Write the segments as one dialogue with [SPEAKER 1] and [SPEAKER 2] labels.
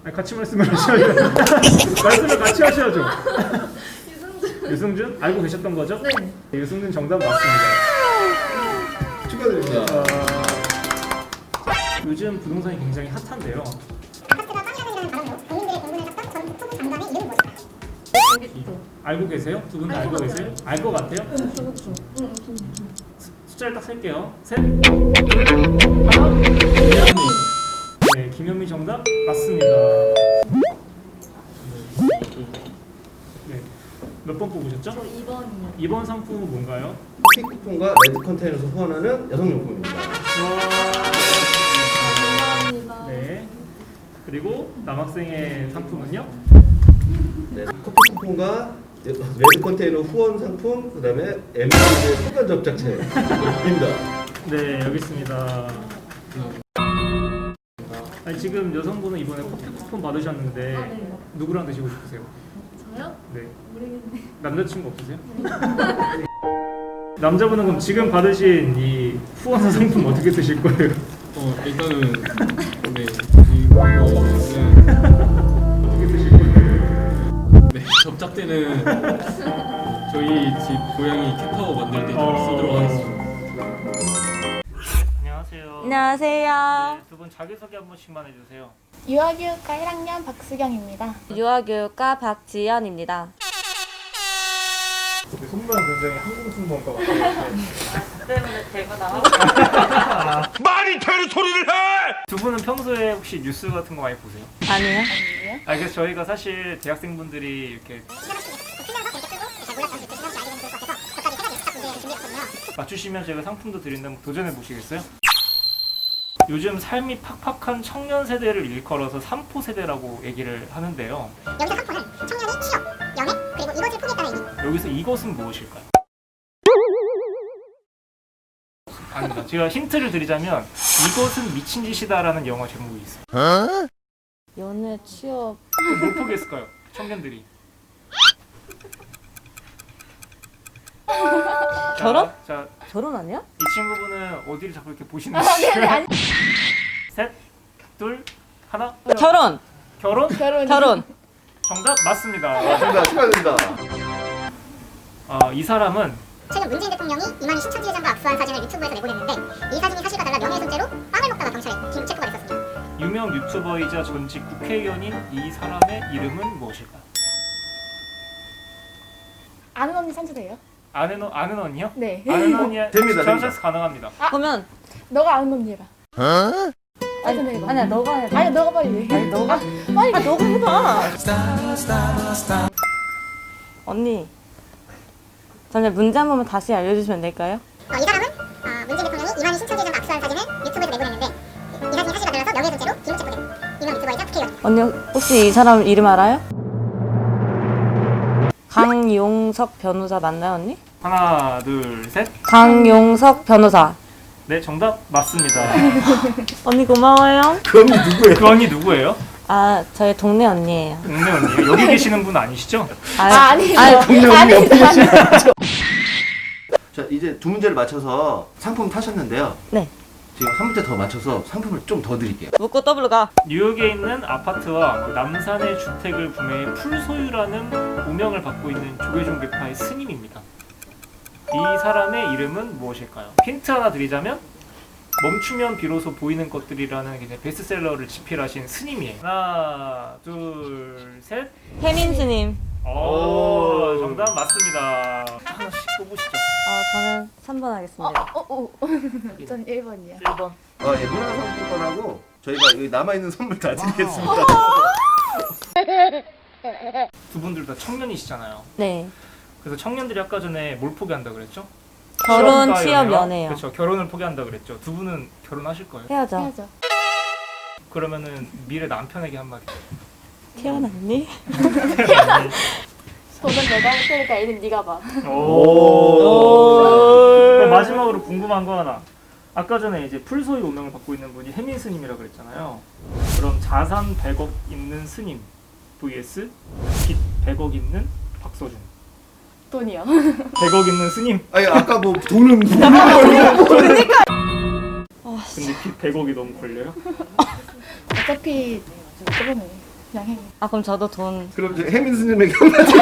[SPEAKER 1] 아니, 같이 말씀을 하셔야죠. 말씀을 같이 하셔야죠. 유승준 알고 계셨던 거죠?
[SPEAKER 2] 네.
[SPEAKER 1] 유승준 정답 맞습니다.
[SPEAKER 3] 축하드립니다.
[SPEAKER 4] 요즘 부동산이 굉장히 핫한데요.
[SPEAKER 5] 아파트가 빵이라는 바람으로 국민들의 공분을 샀던 전 북토부 장관의 이름은 무엇일까요?
[SPEAKER 4] 알고 계세요? 두 분 다 알고 계세요? 알 것 같아요? 숫자를 딱 셀게요. 셋, 둘, 하나. 네, 김현미 정답 맞습니다. 네, 몇 번 뽑으셨죠?
[SPEAKER 2] 저 2번이요.
[SPEAKER 4] 이번 상품은 뭔가요?
[SPEAKER 3] 커피 쿠폰과 레드 컨테이너에서 후원하는 여성용품입니다.
[SPEAKER 2] 감사합니다.
[SPEAKER 4] 네. 그리고 남학생의 상품은요?
[SPEAKER 3] 네, 커피 쿠폰과 레드 컨테이너 후원 상품, 그다음에 MB의 소변 접착제입니다.
[SPEAKER 4] 네, 여기 있습니다. 아니, 지금 여성분은 이번에 커피 쿠폰 받으셨는데
[SPEAKER 2] 아, 네.
[SPEAKER 4] 누구랑 드시고 싶으세요?
[SPEAKER 2] 저요?
[SPEAKER 4] 네.
[SPEAKER 2] 모르겠네.
[SPEAKER 4] 남자친구 없으세요? 남자분은 그럼 지금 받으신 이 후원 상품 어떻게 드실 거예요?
[SPEAKER 1] 일단은 네 이거는
[SPEAKER 4] 어떻게 드실 거예요?
[SPEAKER 1] 네 접착제는 저희 집 고양이 캣타워 만들 때 쓰도록 하겠습니다.
[SPEAKER 4] 안녕하세요.
[SPEAKER 6] 안녕하세요.
[SPEAKER 4] 네, 두 분 자기소개 한 번씩만 해주세요.
[SPEAKER 6] 유아교육과 1학년 박수경입니다. 유아교육과 박지연입니다.
[SPEAKER 4] 손모양 굉장히 한국 승무원과 같아요.
[SPEAKER 6] 때문에 대구 나와.
[SPEAKER 7] 말이 되는 소리를 해!
[SPEAKER 4] 두 분은 평소에 혹시 뉴스 같은 거 많이 보세요?
[SPEAKER 6] 아니요.
[SPEAKER 4] 그래서 저희가 사실 대학생분들이 이렇게 맞추시면 저희가 상품도 드린다면 도전해 보시겠어요? 요즘 삶이 팍팍한 청년 세대를 일컬어서 3포 세대라고 얘기를 하는데요.
[SPEAKER 5] 여기서 3포는 청년이 취업, 연애, 그리고 이것을 포기했다는 의미.
[SPEAKER 4] 여기서 이것은 무엇일까요? 아닙니다. 제가 힌트를 드리자면 이것은 미친 짓이다라는 영화 제목이 있어요.
[SPEAKER 6] 연애, 취업.
[SPEAKER 4] 뭘 포기했을까요? 청년들이.
[SPEAKER 6] 결혼?
[SPEAKER 4] 자,
[SPEAKER 6] 결혼 아니야?
[SPEAKER 4] 이 친구분은 어디를 자꾸 이렇게 보시는지. 셋, 둘, 하나.
[SPEAKER 6] 결혼.
[SPEAKER 4] 결혼?
[SPEAKER 6] 결혼.
[SPEAKER 4] 정답 맞습니다.
[SPEAKER 3] 맞습니다. 축하드립니다.
[SPEAKER 4] 이 사람은
[SPEAKER 5] 최근 문재인 대통령이 이만희 신천지회장과 악수한 사진을 유튜브에서 내보냈는데 이 사진이 사실과 달라 명예훼손죄로 빵을 먹다가 경찰에 긴급 체포가 됐었습니다.
[SPEAKER 4] 유명 유튜버이자 전직 국회의원인 이 사람의 이름은 무엇일까요?
[SPEAKER 6] 아는 언니 선수돼요?
[SPEAKER 4] 아는 언니요?
[SPEAKER 6] 네.
[SPEAKER 4] 아는 언니
[SPEAKER 3] 됩니다,
[SPEAKER 4] 전체에서 가능합니다.
[SPEAKER 6] 그러면
[SPEAKER 2] 너가 아는 언니라.
[SPEAKER 6] 아니야 너가 해.
[SPEAKER 2] 아니 너가 빨리.
[SPEAKER 6] 아니 너가 빨리 너가 해봐. 언니. 저는 문제 한 번만 다시 알려주시면 될까요?
[SPEAKER 5] 이 사람은 문재인 대통령이 이만희 신천지회장과 악수한 사진을 유튜브에서 내보냈는데 이 사진이 사실과 달라서 명예훼손죄로 긴급 체포된 유명 유튜버이자 국회의원.
[SPEAKER 6] 언니 혹시 이 사람 이름 알아요? 강용석 변호사 맞나요 언니?
[SPEAKER 4] 하나, 둘, 셋.
[SPEAKER 6] 강용석 변호사.
[SPEAKER 4] 네, 정답 맞습니다.
[SPEAKER 6] 언니 고마워요.
[SPEAKER 3] 그 언니 누구예요?
[SPEAKER 4] 그 언니 누구예요?
[SPEAKER 6] 아 저희 동네 언니예요.
[SPEAKER 4] 동네 언니예요. 여기 계시는 분 아니시죠?
[SPEAKER 6] 아니요.
[SPEAKER 3] 자, 이제 두 문제를 맞춰서 상품 타셨는데요.
[SPEAKER 6] 네.
[SPEAKER 3] 지금 한 문제 더 맞춰서 상품을 좀 더 드릴게요.
[SPEAKER 6] 묻고 더블로 가.
[SPEAKER 4] 뉴욕에 있는 아파트와 남산의 주택을 구매해 풀소유라는 오명을 받고 있는 조계종교파의 스님입니다. 이 사람의 이름은 무엇일까요? 힌트 하나 드리자면 멈추면 비로소 보이는 것들이라는 굉장히 베스트셀러를 집필하신 스님이에요. 하나, 둘, 셋.
[SPEAKER 6] 혜민 스님.
[SPEAKER 4] 오, 정답 맞습니다. 하나씩 뽑으시죠.
[SPEAKER 6] 저는 3번 하겠습니다.
[SPEAKER 2] 전 1번이요.
[SPEAKER 4] 1번.
[SPEAKER 3] 예, 문화상품권하고 저희가 여기 남아있는 선물 다 드리겠습니다.
[SPEAKER 4] 두 분들 다 청년이시잖아요.
[SPEAKER 6] 네.
[SPEAKER 4] 그래서 청년들이 아까 전에 뭘 포기한다 그랬죠?
[SPEAKER 6] 결혼,
[SPEAKER 4] 취업과
[SPEAKER 6] 취업,
[SPEAKER 4] 연애와?
[SPEAKER 6] 연애요.
[SPEAKER 4] 그렇죠. 결혼을 포기한다 그랬죠. 두 분은 결혼하실 거예요?
[SPEAKER 6] 해야죠.
[SPEAKER 2] 해야죠.
[SPEAKER 4] 그러면은 미래 남편에게 한마디.
[SPEAKER 6] 태어났니?
[SPEAKER 2] 돈은 내가 할 테니까 애는 네가 봐.
[SPEAKER 4] 그럼 마지막으로 궁금한 거 하나. 아까 전에 이제 풀소유 오명을 받고 있는 분이 혜민 스님이라 그랬잖아요. 그럼 자산 100억 있는 스님 vs 빚 100억 있는 박서준.
[SPEAKER 2] 돈이요.
[SPEAKER 4] 100억 있는 스님.
[SPEAKER 3] 아니, 아까 뭐 돈은
[SPEAKER 4] 근데 빚 100억이 너무 걸려요?
[SPEAKER 2] 어차피 저번에 그냥 해.
[SPEAKER 6] 아 그럼 저도 돈.
[SPEAKER 3] 그럼 이제 혜민 스님에게 한마디.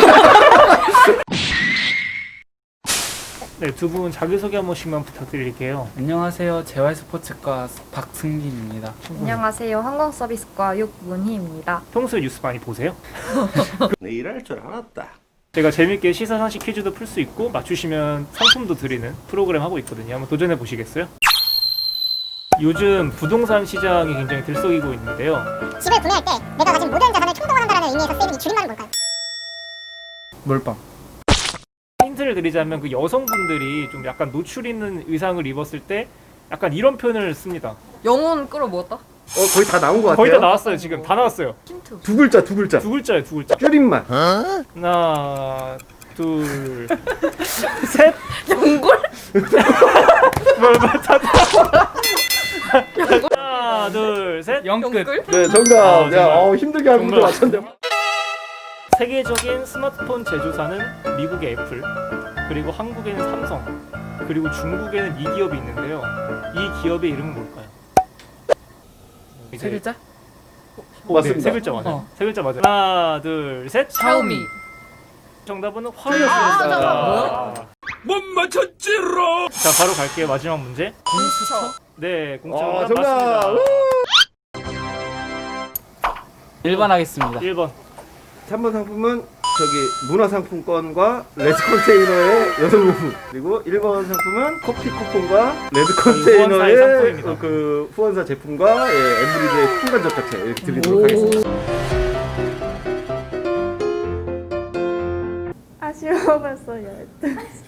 [SPEAKER 4] 네, 두 분 자기소개 한 번씩만 부탁드릴게요.
[SPEAKER 8] 안녕하세요. 재활스포츠과 박승진입니다.
[SPEAKER 9] 안녕하세요. 항공서비스과 육문희입니다.
[SPEAKER 4] 평소에 뉴스 많이 보세요?
[SPEAKER 3] 내 일할 줄 알았다.
[SPEAKER 4] 제가 재밌게 시사상식 퀴즈도 풀 수 있고 맞추시면 상품도 드리는 프로그램 하고 있거든요. 한번 도전해 보시겠어요? 요즘 부동산 시장이 굉장히 들썩이고 있는데요.
[SPEAKER 5] 집을 구매할 때 내가 가진 모든 자산을 총동원한다는 의미에서 쓰이는 이 줄임말은 뭘까요?
[SPEAKER 8] 몰빵.
[SPEAKER 4] 힌트를 드리자면 그 여성분들이 좀 약간 노출 있는 의상을 입었을 때 약간 이런 표현을 씁니다.
[SPEAKER 9] 영혼 끌어모았다?
[SPEAKER 3] 거의 다 나온 것 같아요.
[SPEAKER 4] 거의 다 나왔어요. 지금 다 나왔어요.
[SPEAKER 9] 힌트.
[SPEAKER 3] 두 글자, 두 글자.
[SPEAKER 4] 두 글자예요. 두 글자.
[SPEAKER 3] 줄임말.
[SPEAKER 4] 하나, 둘, 셋.
[SPEAKER 9] 연골?
[SPEAKER 4] 하나, 둘, 셋.
[SPEAKER 8] 영끝.
[SPEAKER 3] 네, 정답.
[SPEAKER 4] 정말.
[SPEAKER 3] 야, 힘들게 한 문제
[SPEAKER 4] 정말.
[SPEAKER 3] 맞췄네.
[SPEAKER 4] 세계적인 스마트폰 제조사는 미국의 애플, 그리고 한국에는 삼성, 그리고 중국에는 이 기업이 있는데요. 이 기업의 이름은 뭘까요?
[SPEAKER 8] 세 글자?
[SPEAKER 3] 맞습니다.
[SPEAKER 4] 네, 세 글자 맞아요. 세 글자 맞아요. 하나, 둘, 셋.
[SPEAKER 8] 샤오미.
[SPEAKER 4] 정답은 화였습니다.
[SPEAKER 10] 못 맞췄지로.
[SPEAKER 4] 자, 바로 갈게요. 마지막 문제.
[SPEAKER 8] 공수처?
[SPEAKER 4] 네, 공짜로
[SPEAKER 3] 정답.
[SPEAKER 4] 맞습니다.
[SPEAKER 8] 1번 하겠습니다.
[SPEAKER 4] 1번.
[SPEAKER 3] 3번 상품은 문화상품권과 레드 컨테이너의 여성용품, 그리고 1번 상품은 커피 쿠폰과 레드
[SPEAKER 4] 후원사의
[SPEAKER 3] 컨테이너의
[SPEAKER 4] 상품입니다.
[SPEAKER 3] 그 후원사 제품과 엠브리드의 풍간 접착제 이렇게 드리도록 하겠습니다.
[SPEAKER 9] 아쉬워 벌써 12시.